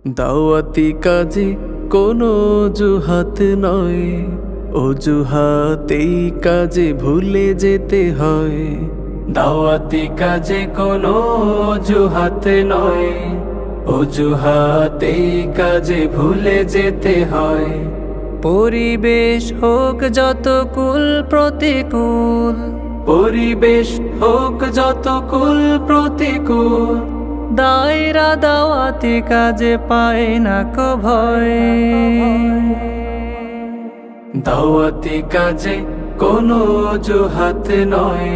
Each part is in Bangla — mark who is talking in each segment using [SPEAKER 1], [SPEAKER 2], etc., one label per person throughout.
[SPEAKER 1] দাওয়াতি কাজে কোনো অজুহাত নয়, অজুহাতেই কাজে ভুলে যেতে হয়। দাওয়াতি কাজে কোনো অজুহাত নয়, অজুহাতেই কাজে ভুলে যেতে হয়।
[SPEAKER 2] পরিবেশ হোক যত কুল প্রতিকূল,
[SPEAKER 1] পরিবেশ হোক যত কুল প্রতিকূল,
[SPEAKER 2] দায়রা দাওয়াতি কাজে পায় না কো ভয়।
[SPEAKER 1] দাওয়াতি কাজে কোনো অজুহাত নয়,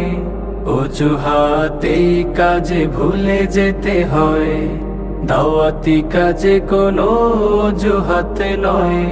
[SPEAKER 1] অজুহাতেই কাজে ভুলে যেতে হয়। দাওয়াতি কাজে কোনো অজুহাত নয়,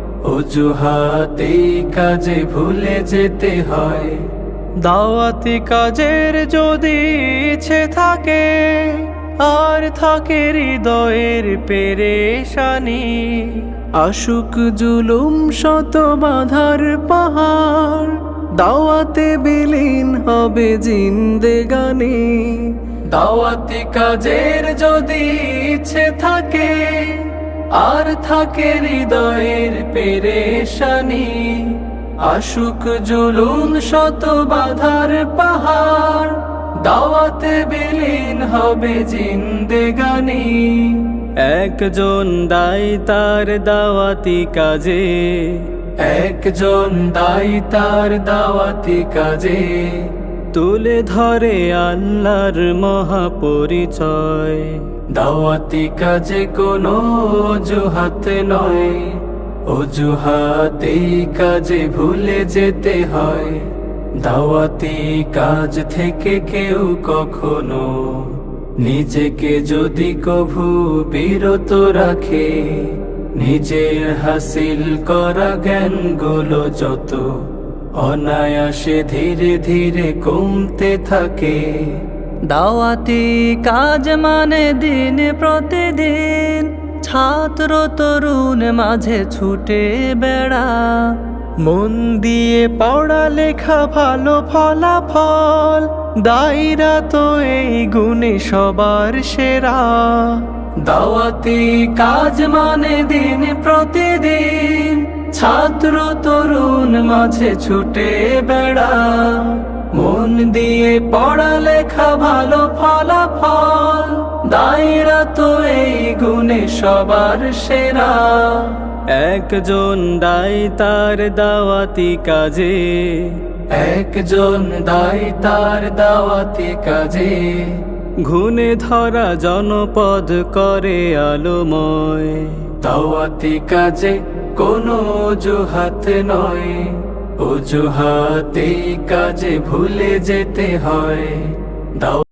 [SPEAKER 1] অজুহাতেই কাজে ভুলে যেতে হয়।
[SPEAKER 2] দাওয়াতি কাজের যদি ইচ্ছে থাকে, আর থাকে হৃদয়ের পেরেশানি,
[SPEAKER 1] আশুক জুলুম শত বাধার পাহাড়, দাওয়াতে বিলীন হবে জিন্দেগানি। দাওয়াতি কাজের যদি ইচ্ছে থাকে, আর থাকে হৃদয়ের পেরেশানি, আশুক জুলুম শত বাধার পাহাড়, দাওয়াতে বিলীন হবে জিন্দেগানি।
[SPEAKER 2] একজন দায়ী তার দাওয়াতি কাজে,
[SPEAKER 1] একজন দায়ী তার দাওয়াতি কাজে,
[SPEAKER 2] তুলে ধরে আল্লাহর মহাপরিচয়।
[SPEAKER 1] দাওয়াতি কাজে কোনো অজুহাত নয়, অজুহাতেই কাজে ভুলে যেতে হয়। দাওয়াতি কাজ থেকে কেউ কখনো নিজেকে যদি কভু বিরত রাখে, নিজের হাসিল করা জ্ঞানগুলো যত অনায়াসে ধীরে ধীরে কমতে থাকে।
[SPEAKER 2] দাওয়াতি কাজ মানে দিন প্রতিদিন ছাত্র তরুণ মাঝে ছুটে বেড়া, মন দিয়ে পড়া লেখা ভালো ফলাফল, দায়রা তো এই গুণে সবার সেরা।
[SPEAKER 1] দাওয়াতি কাজ মানে দিন প্রতিদিন ছাত্র তরুণ মাঝে ছুটে বেড়া, মন দিয়ে পড়া লেখা ভালো ফলাফল, দায়রা তো এই গুণে সবার সেরা।
[SPEAKER 2] একজন দায়ী তার দাওয়াতি কাজে,
[SPEAKER 1] একজন দায়ী তার দাওয়াতি কাজে,
[SPEAKER 2] ঘুণে ধরা জনপদ করে আলোময়।
[SPEAKER 1] দাওয়াতি কাজে কোনো অজুহাত নয়, অজুহাতেই কাজে ভুলে যেতে হয়।